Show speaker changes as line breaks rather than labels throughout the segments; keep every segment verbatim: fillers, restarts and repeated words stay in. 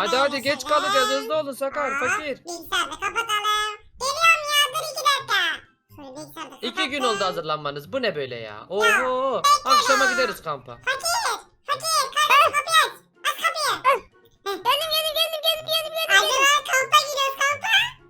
Hadi hadi geç kalacağız, hızlı olun Sakar,
Aa,
fakir.
Bilgisayarda kapatalım. Geliyorum ya, dur iki dakika. Şöyle bilgisayarda kapattım.
İki gün oldu hazırlanmanız, bu ne böyle ya? Oho, akşama gideriz kampa.
Fakir, fakir, kardeşim kapıyı aç. Aç kapıyı.
Geldim geldim geldim geldim geldim geldim.
Hadi lan, kampa gidiyoruz, kampa.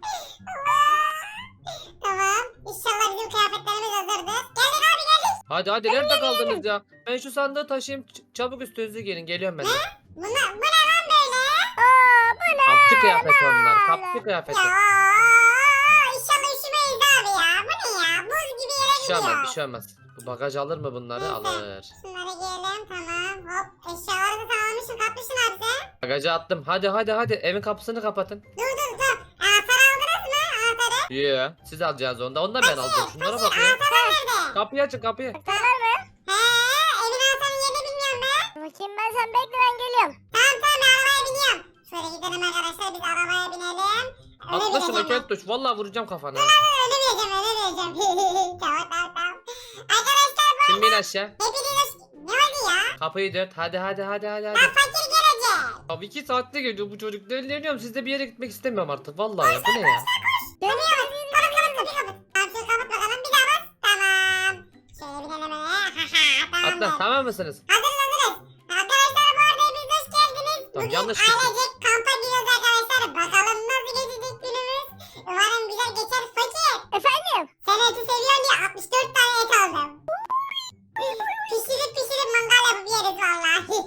Tamam, İnşallah bizim kıyafetlerimiz hazırdır. Geldik abi, geldik.
Hadi hadi, nerede kaldınız ya? Ben şu sandığı taşıyayım, ç- çabuk üstünüzü gelin, geliyorum ben de.
Buna, bu ne lan böyle?
Aa bu ne?
Kapçı kıyafeti onlar, kapçı kıyafeti.
Ya inşallah üşümeyiz abi ya. Bu ne ya? Buz gibi yere
Bir şey
gidiyor.
olmaz, bir şey olmaz. Bu bagaj alır mı bunları?
Neyse.
Alır.
Şunları giyelim, tamam. Hop, eşyaları da tamamlamışsın, katmışsın abi sen.
Bagajı attım. Hadi hadi hadi, evin kapısını kapatın.
Dur dur dur. Anahtarı aldınız mı? Anahtarı.
Yeah, siz alacaksınız onda. Onu da ben alacağım. Şunlara bak ya.
Anahtarlar nerede?
Kapıyı açın, kapıyı.
Anahtarlar mı?
He, evin anahtarının yerini bilmiyorum ben.
Bakayım ben, sen bekle ben geliyorum.
Tamam tamam, ben arabaya biniyorum. Şöyle gidelim arkadaşlar, biz arabaya binelim. Öyle
Atla şuna
bineceğim ben.
Keltoş. Vallahi vuracağım kafana.
Öyle bineceğim, öyle bineceğim. Tamam tamam tamam. Arkadaşlar bu
Şimdi bin aşağı.
hepiniz hoş... Ne oldu ya?
Kapıyı dört. Hadi hadi hadi hadi hadi.
Lan fakir gelecek.
Abi iki saatte geliyor bu çocuk. Dönüyorum, sizde bir yere gitmek istemiyorum artık. Vallahi ya, bu ne ya?
Dönüyoruz. Kapat kapat kapıyı kapat. Tamam şöyle kapat bakalım, bir daha bas. Tamam. Şöyle binelim hele. Haha,
Atla,
tamamdır.
tamam mısınız?
Hazırız hazırız. Arkadaşlar bu arada hepiniz hoş geldiniz.
Tamam,
Bugün
yanlış çıktı.
ailecek kampa gidiyoruz arkadaşlar. Bakalım nasıl geçecek günümüz. Umarım güzel geçer. Fakir.
Efendim?
Sen eti seviyorsun diye altmış dört tane et aldım. Pişirip pişirip mangal yapıp yeriz valla.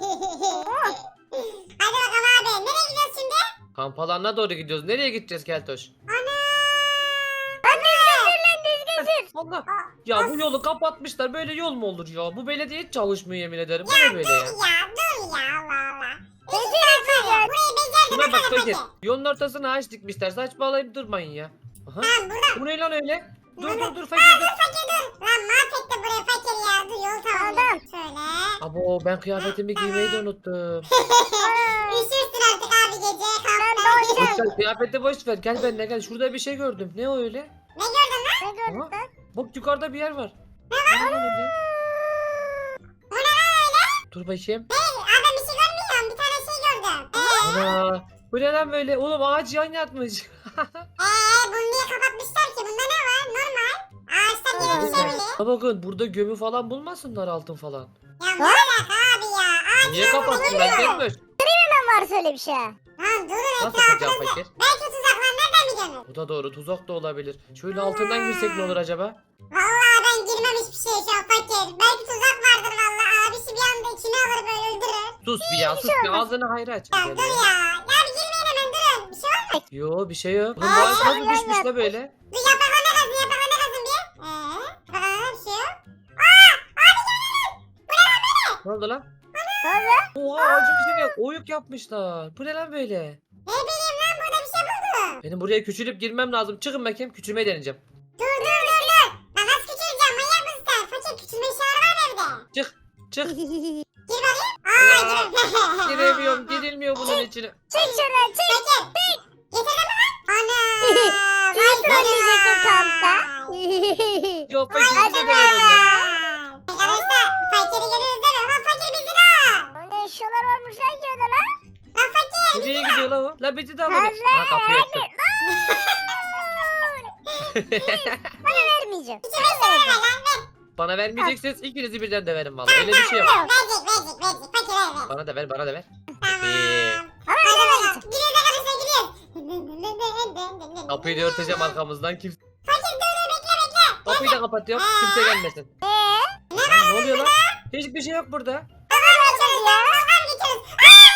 Hadi bakalım abi. Nereye gidiyoruz şimdi?
Kamp alanına doğru gidiyoruz. Nereye gideceğiz Keltoş?
Ana.
Lan düzgün sür lan düzgün sür.
Allah. Ya bu yolu kapatmışlar. Böyle yol mu olur ya? Bu belediye hiç çalışmıyor, yemin ederim. Bu ne böyle ya?
Dur ya dur ya Allah Allah.
Beceremeyeceğiz.
Burayı becerdi
Şuna bak
bakalım
fakir.
peki.
Yolun ortasına ağaç dikmişler. Saçmalayıp durmayın ya. Aha.
Tamam burada.
Bu ne lan öyle? Dur dur dur
Aa,
fakir dur.
dur fakir dur. Lan mahvetti burayı fakir ya. Dur yol tamam.
Tamam.
Şöyle.
Abo, ben kıyafetimi giymeyi de unuttum.
Üşürsün artık abi gece.
Ben
Kampta.
doğacağım.
Boş ver, kıyafeti boş ver. Gel benimle gel. Şurada bir şey gördüm. Ne o öyle?
Ne gördün lan?
Ne gördün
Aha.
lan?
Bak yukarıda bir yer var. Ne var lan öyle?
O ne lan öyle?
Dur bakayım.
Hey, abi ben bir şey görmüyorum. Bir tane şey gördüm. Eee
Ana. Bu ne lan böyle? Oğlum ağaç yan yatmış.
ee, bunu niye kapatmışlar ki? Bunda ne var? Normal. Ağaçtan gibi bir şey mi?
Ha bakın, burada gömü falan bulmasınlar, altın falan.
Ya ne alaka abi ya? Ağaç
Niye
yok,
kapattılar
bunu
Keltoş?
Hemen var söyle bir şey.
Lan durun
Nasıl yapacağım
etrafınızda.
fakir?
Belki tuzaklar nereden biliyorsunuz?
Bu da doğru, tuzak da olabilir. Şöyle altından girsek ne olur acaba?
Vallahi ben girmem hiçbir şeye şu an fakir. Belki tuzak vardır vallahi. Abisi bir anda içine alır böyle öldürür.
Sus bir ya, sus bir, ağzını hayra aç.
Ya
Gel
dur
ya.
ya. Ya bir girmeyin hemen durun. Bir şey var mı?
Yo, bir şey yok. Oğlum
Aa,
bu ağaç nasıl
yan
düşmüş
yatmış.
la böyle?
Dur yapraklarına kazın yapraklarına kazın bir. Eee? Yapraklarına bir şey yok.
Ne oldu lan?
Ne oldu?
Oha, ağacın içine yok. Oyuk yapmışlar. Bu ne lan böyle?
Ne bileyim lan, burada bir şey buldum.
Benim buraya küçülüp girmem lazım. Çıkın bakayım, küçülmeyi deneyeceğim.
Dur dur dur dur. Ben nasıl küçüleceğim, manyak mısın sen? Fakir küçülme işareti var evde.
Çık, çık.
Gir bakayım. Aa
Ya,
gir.
Giremiyorum, girilmiyor bunun içine.
Çık şuradan çık.
Fakir. Getirdin mi lan? Ana.
Kimi
vay
trolleyecektin
vay.
kampta?
Yok fakir,
Hadi
size de
be.
ver ondan.
Arkadaşlar fakiri görüyoruz değil mi? Lan fakir bizi al.
O ne eşyalar varmış lan ki orada lan?
Lan fakir.
Nereye gidiyor lan o? La bizi de alın.
Hazır,
Ha, kapıyı açtım.
Bana vermeyeceğim.
İçime işareti ver lan ver.
Bana vermeyeceksiniz, ikinizi birden döverim vallahi. Öyle bir şey yok.
Verecek verecek verecek. Fakir ver ver.
Bana da ver, bana da ver.
Tamam.
Ee.
Ama
Hadi
ben
bakalım.
vermeyeceğim.
Giriyoruz arkadaşlar giriyoruz.
Kapıyı da örteceğim arkamızdan. Kimse...
Fakir dur dur bekle bekle.
Kapıyı da kapatıyorum. Kimse gelmesin.
Eee?
Aa, ne oluyor lan? Hiçbir şey yok burada.
Tamam geçiyoruz ya. Tamam geçiyoruz.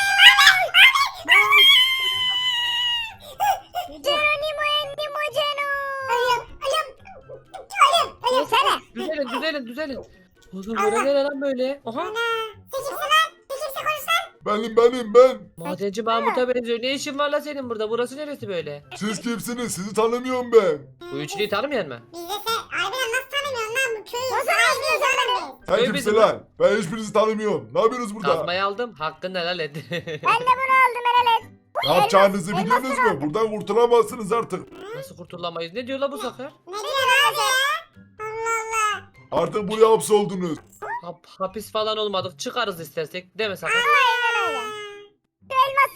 Geronimo Endimo Geno.
Ölüyorum ölüyorum. Ölüyorum ölüyorum.
Yürüsene.
Düzelin, düzelin, düzelin. Oğlum bura nere lan böyle? Aha.
Ana. Sen kimsin lan? Sen kimsin, konuş lan.
Benim benim ben.
Madenci Mahmut'a benziyor. Ne işin var lan senin burada? Burası neresi böyle?
Siz kimsiniz? Sizi tanımıyorum ben.
Bu üçlüyü tanımayan mı?
Biz de sen harbiden nasıl tanımıyorsun lan bu köyü?
Nasıl
Sahibiyiz
tanımıyorsun
oğlum biz.
Sen
Köy
kimsin
bizim
lan? Ben hiçbirinizi tanımıyorum. Ne yapıyorsunuz burada?
Kazmayı aldım. Hakkını helal et.
Ben de bunu aldım helal et.
Ne yapacağınızı
elmas-
biliyorsunuz
elmasını
mu? Buradan kurtulamazsınız artık.
Nasıl kurtulamayız? Ne diyor la bu sakar?
Ne diyorsun abi ya? Allah Allah.
Artık buraya hapsoldunuz.
Hap, hapis falan olmadık. Çıkarız istersek. Değil mi sakar?
Aynen öyle. Şu elmasları alayım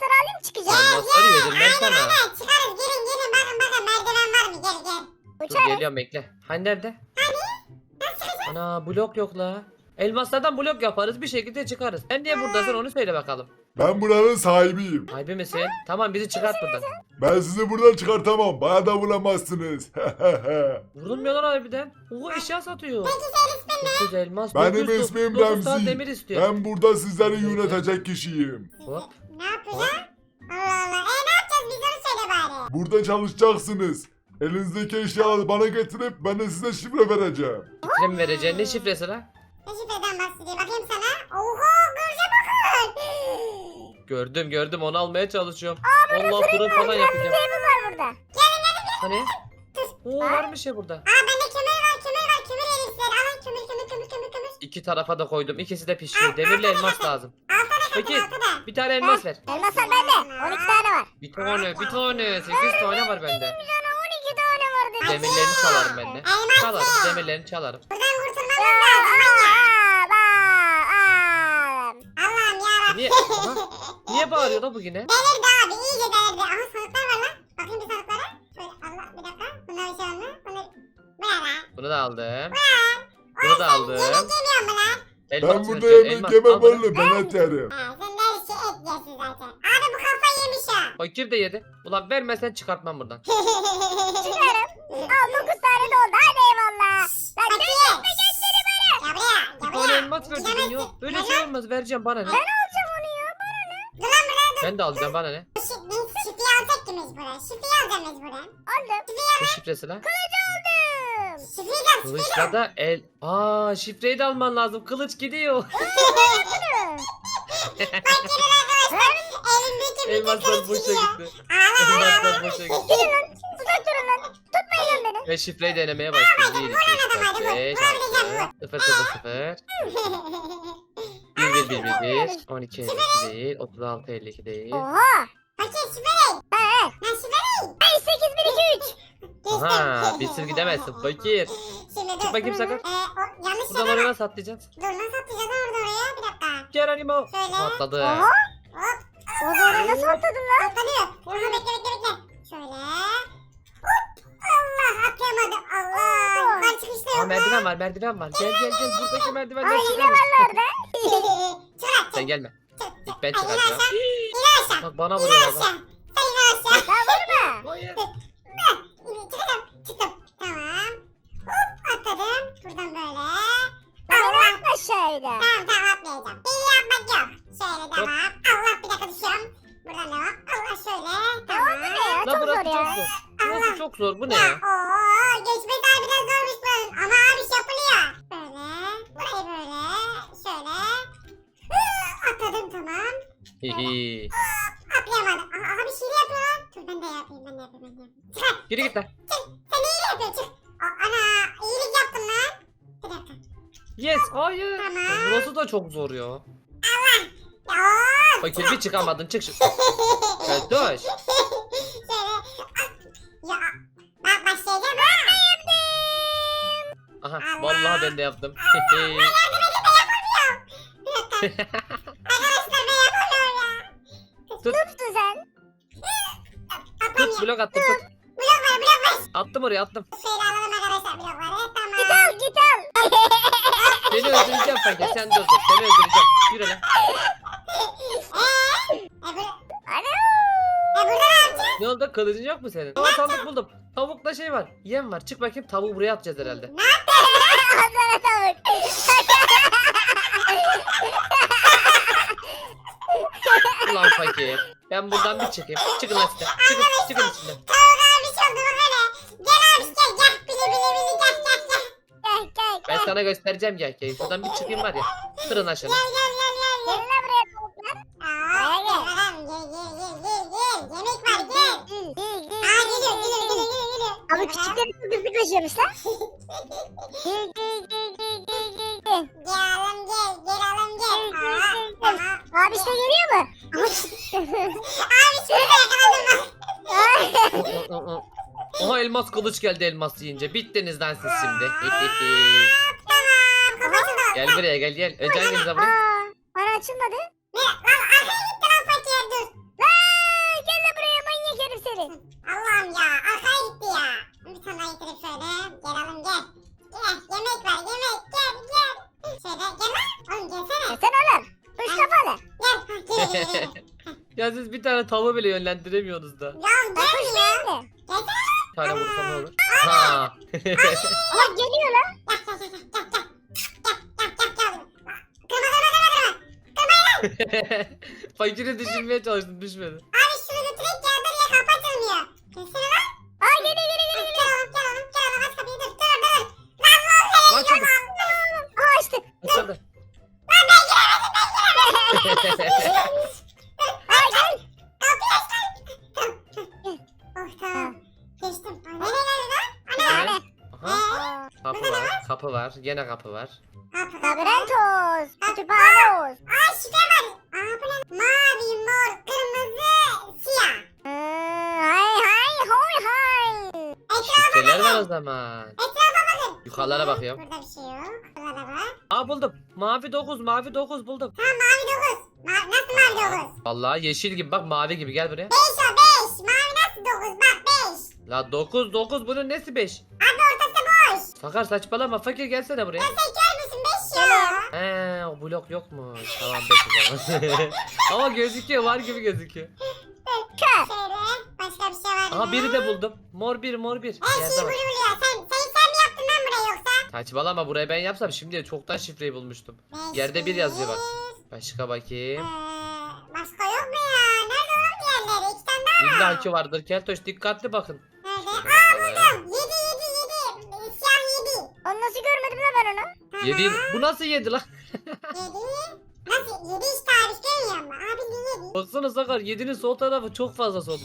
çıkacağız.
Elmasları yedim ben sana.
Aynen çıkarız gelin gelin bakın bakın merdiven var mı gel gel.
Dur
Uçarız.
geliyorum bekle. Hani nerede? Ana blok yok la. Elmaslardan blok yaparız bir şekilde çıkarız. Sen niye buradasın onu söyle bakalım.
Ben buranın sahibiyim.
Sahibi misin? Tamam bizi çıkart buradan.
Ben sizi buradan çıkartamam. Bana da bulamazsınız.
Vurulmuyor lan harbiden. Oo eşya satıyor.
Peki senin ismin ne?
dokuz elmas.
Benim
dokuz-
ismim
dokuz tane
Remzi.
demir istiyor.
Ben burada sizleri yönetecek kişiyim.
Hop.
Ne yapacağız? Allah Allah. E ne yapacağız biz onu söyle bari.
Burada çalışacaksınız. Elinizdeki eşyaları bana getirip ben de size şifre vereceğim.
Şifre mi vereceksin? Ne şifresi lan?
Ne şifreden bahsediyor bakayım sana. Oha görce bakın.
Gördüm gördüm onu almaya çalışıyorum. Allah fırın falan yapacağım.
Table var burada.
Hani? Oo varmış ya burada.
Aa bende kömür var kömür var kömür verin size. Alın kömür kömür kömür kömür kömür.
İki tarafa da koydum. İkisi de pişiyor. Demirle elmas lazım.
Altına katın
Peki
altına.
bir tane elmas ver.
Elmaslar bende. on iki tane var.
Bir tane bir tane. Sekiz tane var bende.
on iki tane var dedi.
Demirlerini çalarım ben de.
Elmas
Çalarım
ye.
demirlerini çalarım.
Buradan kurtulmamız
Ya,
lazım.
aa, aa, aa.
Allah'ım yarabbim.
Niye? Aha, niye bağırıyor da bu yine?
Delirdi abi iyice delirdi. Aha sandıklar var lan. Bakayım bir sandıklara. Şöyle Allah bir dakika. Bunlar bir şey var mı? Bunlar... Bu ne lan?
Bunu da aldım. Bunu da aldım.
Yemek yemiyor mu lan?
Elmas
Ben burada
vereceğim,
yemek
elmas.
yemem
Al bunu.
oğlum. Ben et yerim.
Ha sen de her şey et yersin zaten. Abi bu kafa yemiş ha.
Fakir de yedi. Ulan vermesen çıkartmam buradan.
Çıkarım. Al dokuz tane doldu. Hadi eyvallah. Lan
Fakir.
gösterme gösteri bana.
Gel buraya.
Bir
Gel
tane
buraya.
elmas verdin
Gidemezsin.
ya. Böyle
Gel
şey
lan.
olmaz vereceğim bana ne?
Ben alacağım onu ya.
Dur lan buraya dur.
Ben de alacağım bana ne?
Şif- Biz şifreyi alacak ki mecburen. Şifreyi alacağım mecburen.
Aldım.
Ne şifresi lan?
Kılıcı aldım.
Şifreyi de al.
Kılıçla da el... Aa şifreyi de alman lazım. Kılıç gidiyor.
Elindeki bir de
Elmaslar
kılıç
boşa
gidiyor.
gitti.
Ağla ağla ağla.
Elmaslar boşa gitti.
Gidin lan. Uzak durun lan. Tutmayın lan beni.
Ve şifreyi denemeye başlıyoruz. bir, iki, üç, dört, beş, altı, sıfır, sıfır, sıfır. bir, bir, bir, bir, bir. on iki, elli iki değil. otuz altı, elli iki değil.
Oha.
Fakir şifreyi.
He he.
Lan şifreyi.
beş sekiz bir iki üç.
Aha bir sır gidemezsin fakir.
Şimdi dur.
Çık bakayım sakın.
Ee, o, yanlış
Buradan
yere
oraya
bak.
nasıl atlayacaksın?
Dur nasıl atacağız lan orada oraya? Bir dakika.
Geronimo.
Şöyle.
Atladı.
Oha.
Hop.
O doğru nasıl atladın lan?
Atlanıyor. Aha bekle bekle bekle. Şöyle. Hop. Allah atlayamadım. Allah. Yukarı çıkışta
Aa
yok.
merdiven var merdiven var. Gel gel gel buradaki merdivenden
Ay yine
çıkalım.
var orada.
Çıkar.
Sen gelme. İlk ben
Ay, in
çıkaracağım.
aşağı. İn aşağı.
Bak bana
İn
vuruyor
aşağı.
adam.
Sen in aşağı.
Lan vurma.
Hayır.
Çıktım. Çıktım. Tamam. Hop atladım. Buradan böyle.
Lan
Allah.
atma aşağıya.
Tamam tamam atmayacağım. Beni yapmak yok. Şöyle tamam. Allah bir dakika düşüyorum. Buradan devam. Allah şöyle. Tamam.
Ne ya?
La
Çok
burası
zor
çok
ya.
zor. Burası çok zor. Bu ne
Ya
ya?
ooo geçmesi harbiden zormuş buranın. Ama abi iş yapılıyor. Böyle. Burayı böyle. Şöyle. Hı, atladım tamam.
Hihi.
Atlayamadım. Aa, abi şiir yapıyor lan. Dur ben de yapayım ben de yapayım ben de yapayım. Çıkar.
Geri git lan.
Çık. Sen iyilik yapıyorsun çık. Aa, ana iyilik yaptın lan. Bir dakika.
Yes. Hayır.
Tamam.
Ya burası da çok zor ya.
Ya ooo.
Fakir bir çıkamadın. Çık şu. Gel dur.
Şöyle. Ya. Bak başlayacağım ha.
Aha
Allah.
vallahi ben de yaptım.
Bir dakika. Arkadaşlar ben yapamıyorum ya.
Tut.
Tuttu sen.
Atlamıyor.
Tut blok attım tut.
Blok var blok var.
Attım oraya attım.
Şöyle alalım arkadaşlar blokları.
Git
Tamam.
al git al.
Seni öldüreceğim fakir. Sen dur dur. Seni öldüreceğim. Yürü lan.
Eee? E, bu,
Ana.
e burada ne yapacağız?
Ne oldu? Kılıcın yok mu senin? Aa sandık buldum. Tavukla şey var. Yem var. Çık bakayım tavuğu buraya atacağız herhalde.
Ağzına tavuk.
Ulan fakir. Ben buradan bir çıkayım. Çıkın lan size. Çıkın. Çıkın içinden.
Tavuk abi şey oldu bak hele. Gel abi gel gel. Bili bili bili gel gel gel.
Gel gel
Ben
gel.
sana göstereceğim gel. Gel. Şuradan bir çıkayım var ya. Kırın aşağıya.
Gel gel gel gel.
Gelin lan buraya tavuklar.
Aa,
Buraya
gel
gel.
adam gel gel gel gel gel. Yemek var gel.
Gel, gel, gel,
Aa
gel,
geliyor
gel,
geliyor
gel.
geliyor geliyor geliyor.
Ama küçükleri çok hızlı koşuyormuş lan. Gel gel gel gel gel gel gel.
Gel alım gel gel alım gel.
Gel,
Aa
gel, gel, gel.
tamam.
Abi işte geliyor mu?
Abi şurada yakaladım bak.
Oha elmas kılıç geldi elmas yiyince. Bittiniz lan siz şimdi.
Tamam kafasını da.
Gel buraya gel gel. Önce hanginize vurayım?
Aa, bana açılmadı.
Ne? Lan arkaya gitti lan fakir dur.
Lan seni.
Allah'ım ya arkaya gitti ya. Bir tane daha getirip şöyle. Gel alın gel. Gel yemek var yemek gel gel. Şöyle gel lan. Oğlum gelsene.
E sen oğlum. Kuş kafalı.
Gel. Ha, gel gel gel.
Ya siz bir tane tavuğu bile yönlendiremiyorsunuz da.
Ya
Ben kuş
gelmiyor.
değil mi?
Gelsene.
Bir tane vursam ne olur? Ha.
Ama geliyor lan.
Gel gel gel gel gel. Gel gel gel gel. Kırma kırma kırma kırma.
Fakiri düşünmeye çalıştım düşmedi.
Abi şunu götürek ya dur ya kapı açılmıyor. Gelsene lan.
Aa geliyor geliyor geliyor.
Gel oğlum gel oğlum gel oğlum aç kapıyı dur dur dur. Lan lan seni
Açıldı.
Aa açtı.
Açıldı.
Aa gel.
Kapıyı aç lan. Oh tamam. Geçtim. Ay, nereye geldi lan? Ana.
Evet. Aha.
Aa,
Kapı var, kapı var, gene kapı var.
Kapı kapı.
Labirentos. Kütüphane olsun.
Aa şifre var. Aa bu ne? Mavi, mor, kırmızı, siyah.
Hmm, hay hay hoy hay.
Şifreler var o zaman.
Etrafa bakın.
Yukarılara bakıyorum.
Burada bir şey yok. Burada da var.
Aa buldum. Mavi dokuz, mavi dokuz buldum.
Tamam mavi dokuz. Ma nasıl mavi dokuz?
Vallahi yeşil gibi bak mavi gibi gel buraya.
beş o beş. Mavi nasıl dokuz? Bak beş.
La dokuz dokuz bunun nesi beş?
Abi ortası boş.
Sakar saçmalama fakir gelsene buraya.
Ya sen kör müsün? beş ya.
He o blok yokmuş. Tamam beş o zaman. Ama gözüküyor var gibi gözüküyor.
Kör.
Şöyle. Başka bir şey var mı?
Aha biri de buldum. Mor bir mor bir.
Her
Yerde
şeyi
var.
buluyor. Sen, sen, sen mi yaptın lan burayı yoksa?
Saçmalama burayı ben yapsam şimdi çoktan şifreyi bulmuştum.
Beş,
Yerde bir yazıyor bak.
bir.
Başka
Ee,
bakayım.
başka yok mu ya? Nerede oğlum diğerleri? İki tane daha var.
İlla ki vardır Keltoş dikkatli bakın.
Nerede?
Şuna
Aa
bakalım.
buldum. Yedi yedi yedi. Ee, Siyah yedi.
Onu nasıl görmedim lan ben onu?
Tamam.
Yedi. Bu nasıl yedi lan?
Yedi. Nasıl? Yedi işte abi görmüyor musun? Abi de yedi.
Baksana Sakar yedinin sol tarafı çok fazla sol.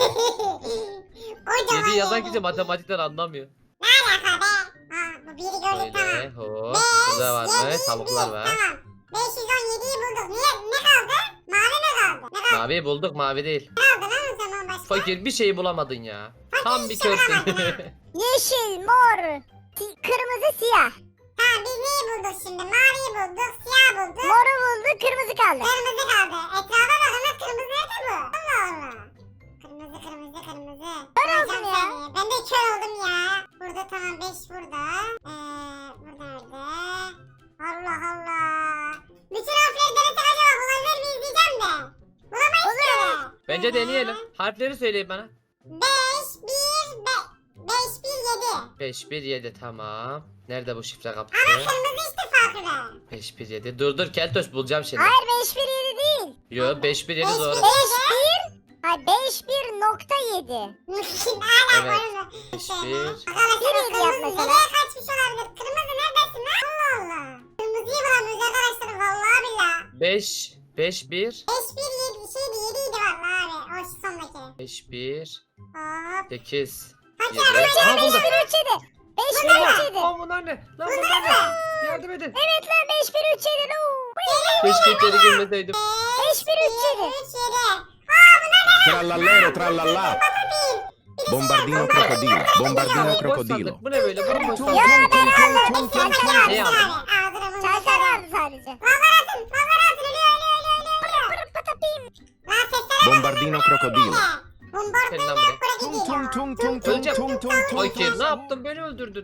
Kocaman
yedi yazan
yedi.
kişi matematikten anlamıyor.
Ne alaka be? Aa bu biri gördük
Şöyle
tamam.
hop.
Beş,
Burada var mı?
yedi,
Tavuklar
bir.
var.
Tamam. beş yüz on yediyi bulduk. Niye? Ne kaldı? Mavi mi kaldı? Ne kaldı?
Mavi bulduk mavi değil.
Ne kaldı lan o zaman başka?
Fakir bir şeyi bulamadın ya. Tam bir
hiçbir şey
körsün.
bulamadım
Yeşil, mor, si- kırmızı, siyah.
Tamam biz neyi bulduk şimdi? Maviyi bulduk, siyah bulduk.
Moru buldu, kırmızı kaldı.
Kırmızı kaldı. Etrafa bakın lan kırmızı nerede bu? Allah Allah. Kırmızı kırmızı kırmızı.
Kör
Hocam
oldum ya.
seni. Ben de kör oldum ya. Burada tamam beş burada. Ee, burada nerede? Allah Allah. Bütün harfleri denesek acaba bulabilir miyiz diyeceğim de. Bulamayız ki.
Bence deneyelim. Harfleri söyleyin bana.
beş, bir, beş, bir, yedi.
beş bir yedi tamam. Nerede bu şifre
Ama
kapısı?
kırmızı işte farklı.
beş bir yedi. Dur dur Keltoş bulacağım şimdi.
Hayır beş bir yedi değil.
Yo beş bir yedi
Beş
doğru.
bir-
beş bir. Hayır beş bir nokta yedi.
Şimdi hala
Evet.
var.
beş bir.
Arkadaşlar
Nereye
kırmızı
yap mesela?
nereye kaçmış olabilir? Kırmızı neredesin lan? Allah Allah. Kırmızıyı bulamıyoruz arkadaşlar vallahi billahi.
beş beş bir.
beş bir yedi şeydi yediydi vallahi abi. O şu sondaki.
beş bir.
Hop.
sekiz.
Fakir
Yedi.
abi
Aa
beş
buldum.
bir üç yedi. beş bir üç yedi.
Aa bunlar ne? Lan bunlar ne? Yardım edin.
Evet lan beş bir üç yedi.
Keşke içeri girmeseydim.
beş bir üç yedi.
üç yedi. Aa bunlar ne?
Trallallero trallallà. Bombardino crocodilo. Bombardino
Boş
crocodilo.
sandık. Bu ne böyle? Bu ne boş sandık?
Ya ben almadım.
Fakir
Çantar
abi
Ne
abi.
aldın?
Ağzına bunu
Çantar vardı sadece.
Vallahi atın. Vallahi atın. Ölüyor ölüyor ölüyor ölüyor. ölüyor.
Patapim.
Lan seslere bak.
Bombardino crocodilo.
Bombardino
Gel lan buraya.
Tung tung
crocodilo.
tung tung tung
Öleceğim.
tung tung tung.
Fakir ne yaptın? Beni öldürdün.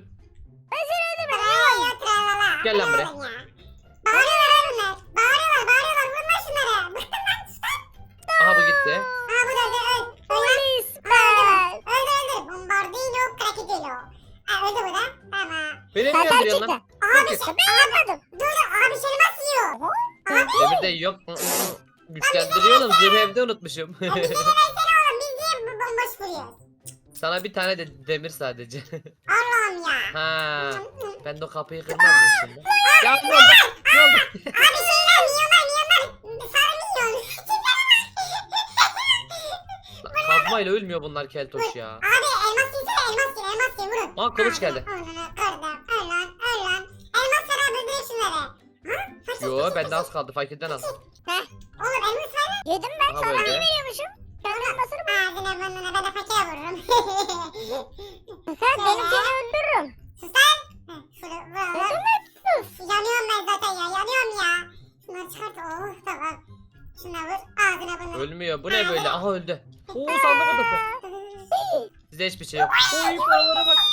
Tralala, tralala.
Gel lan buraya.
Bu ne oğlum ya? Bağırıyorlar ha bunlar. Bağırıyorlar bağırıyorlar. Vurun lan şunları. Bıktım lan sustan.
Aha bu gitti.
Aa bu da öldü. Öl. Öl lan.
Polis
Aa,
be.
öldü öldü. öldü. Bombardino crocodilo. Aa öldü bu da. Tamam.
Beni mi
Çantar
öldürüyorsun
çıktı.
lan?
Abi
Fakir.
şey.
Ben yapmadım.
Dur dur. Abi seni nasıl yiyor? Abi.
Demir de yok. Güçlendiriyorum. Zırhı evde unutmuşum.
Abi bize ne versene oğlum. Biz niye bu bomboş vuruyoruz?
Sana bir tane de demir sadece.
Allah'ım ya.
Ha. Ben de o kapıyı kırmam mı şimdi? Ya ne oldu? Ne oldu?
Abi şeyler milyonlar milyonlar. Sarı milyon.
Kazmayla ölmüyor bunlar Keltoş ya.
Abi elmas yesene elmas ye elmas ye vurun.
Aa kılıç geldi.
Onu kırdım. Öl lan öl lan. Elmas ver abi öldürün şunları. Ha? Fakir,
Yo
fakir,
bende az
fakir.
kaldı fakirden az.
Heh.
Oğlum elmas ver lan.
Yedim ben.
Aha
Sana
böyle.
ne veriyormuşum? Kendi masını bu.
Ağzına burnuna ben de fakire vururum.
Sen benim seni öldürürüm.
Sus lan. Heh, Şunu vuralım.
Öldürme.
Uf, yanıyorum ben zaten ya yanıyorum ya. Şunları çıkart. Oh tamam. Şuna vur ağzına burnuna.
Ölmüyor. Bu ne böyle? Aha öldü. Oo sandık odası. Size hiçbir şey yok. Oy paralara bak.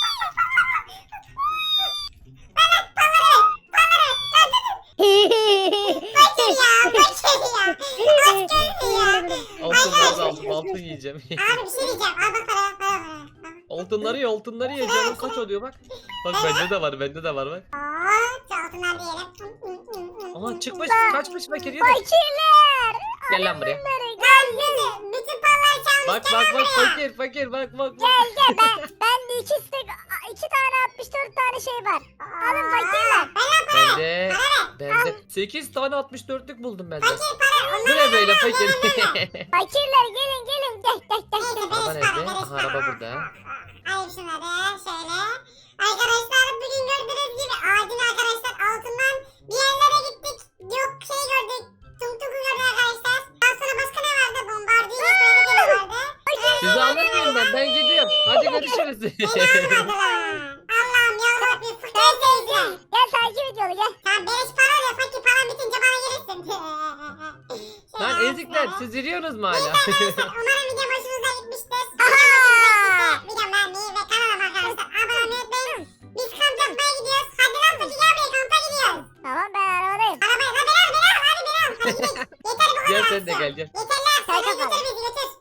Fakir ya, fakir ya. Aç gözlü ya.
Altınları da aldım. Altın yiyeceğim.
Abi bir şey diyeceğim. Al bak para, para, para.
altınları ye altınları ye. Canım kaç oluyor bak. Bak bende de var bende de var bak.
Oo, şu altınlar diyelim.
Aha çıkmış kaçmış fakir yedi.
Fakirler.
Gel lan buraya.
Lan bizi, bütün paraları çalmış.
Bak bak bak fakir fakir bak bak. bak.
Gel gel ben, ben de iki, stek, iki tane altmış dört tane şey var. Alın fakirler.
Bende bende sekiz tane altmış dörtlük buldum bende.
Fakir para.
Bu ne böyle fakir?
Fakirler gelin gelin gel gel gel.
Neyse,
Araba
beleş
nerede?
para, beleş
Aha,
para.
araba burada.
Alayım şunları şöyle. Arkadaşlar bugün gördüğünüz gibi acil arkadaşlar altından bir yerlere gittik. Yok şey gördük. Tum tumu gördük arkadaşlar. Daha sonra başka ne vardı? Bombardiyo böyle vardı.
Sizi anlatmıyorum ben ben gidiyorum. Hadi görüşürüz.
Beni almadılar. Allah'ım yarabbim fırtaya seyirciler.
Gel takip et yolu gel.
Tamam beleş para oluyor. Fakir para bitince bana gelirsin.
Lan ezikler siz yürüyorsunuz mu hala?
Umarım video hoşunuza gitmiştir. Videom Videomu beğenmeyi ve kanalıma arkadaşlar abone olmayı unutmayın. Biz kamp yapmaya gidiyoruz. Hadi lan Fakir gel buraya kampa gidiyoruz.
Tamam ben arabadayım.
Arabaya lan beni al beni al hadi beni al. Hadi gidelim. Yeter bu kadar.
Gel sen de
akşam.
gel gel.
Yeter lan.
Sen
Sen
kapat.
götür bizi götür.